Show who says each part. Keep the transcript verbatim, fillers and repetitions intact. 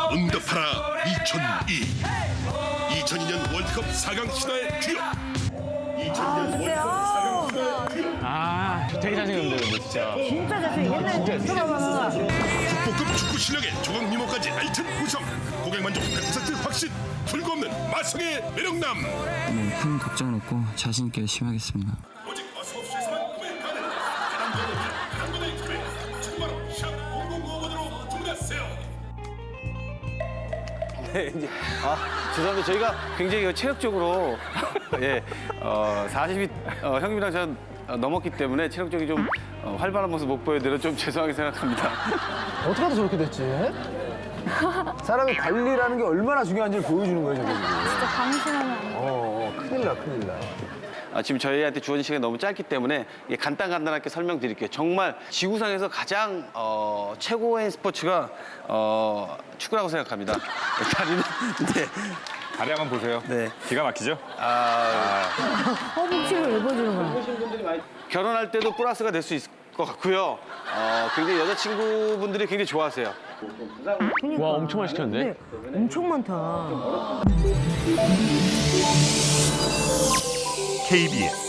Speaker 1: 응답하라 이천이. 이천이 년 월드컵 사 강 신화의 주역. 이천이 년 월드컵 사 강 신화의 주역.
Speaker 2: 아, 되게 잘생겼는데 근데 진짜.
Speaker 3: 진짜 잘생 옛날에 들어봐봐.
Speaker 1: 국보급 축구 실력에 조각 미모까지 알찬 구성. 고객 만족 백 퍼센트 확신. 불구 없는 마성의 매력남.
Speaker 4: 네, 큰 걱정 없고 자신 있게 열심히 하겠습니다.
Speaker 1: 오직 어서옵시에서만 구매 가능. 한번의 구매. 지금 바로 샵 공공오번으로 주문하세요.
Speaker 5: 네, 이제 아 죄송합니다. 저희가 굉장히 체력적으로 예, 어, 사십이 어, 형님이랑 저 어, 넘었기 때문에 체력적이 좀 어, 활발한 모습 못 보여드려 좀 죄송하게 생각합니다.
Speaker 6: 어떻게 하다 저렇게 됐지? 사람이 관리라는 게 얼마나 중요한지를 보여주는 거예요, 저게.
Speaker 3: 진짜 방심하면 안 돼.
Speaker 6: 어, 어, 큰일 나, 큰일 나.
Speaker 5: 아, 지금 저희한테 주어진 시간이 너무 짧기 때문에 예, 간단간단하게 설명드릴게요. 정말 지구상에서 가장 어, 최고의 스포츠가 어, 축구라고 생각합니다. 다리는 네.
Speaker 2: 다리 한번 보세요.
Speaker 5: 네.
Speaker 2: 기가 막히죠?
Speaker 5: 아,
Speaker 3: 허벅지를 왜 보여주는 거야?
Speaker 5: 결혼할 때도 플러스가 될 수 있을 것 같고요. 어, 굉장히 여자친구분들이 굉장히 좋아하세요.
Speaker 3: 그러니까.
Speaker 2: 와, 엄청 많이 시켰는데?
Speaker 3: 네, 엄청 많다.
Speaker 1: 케이비에스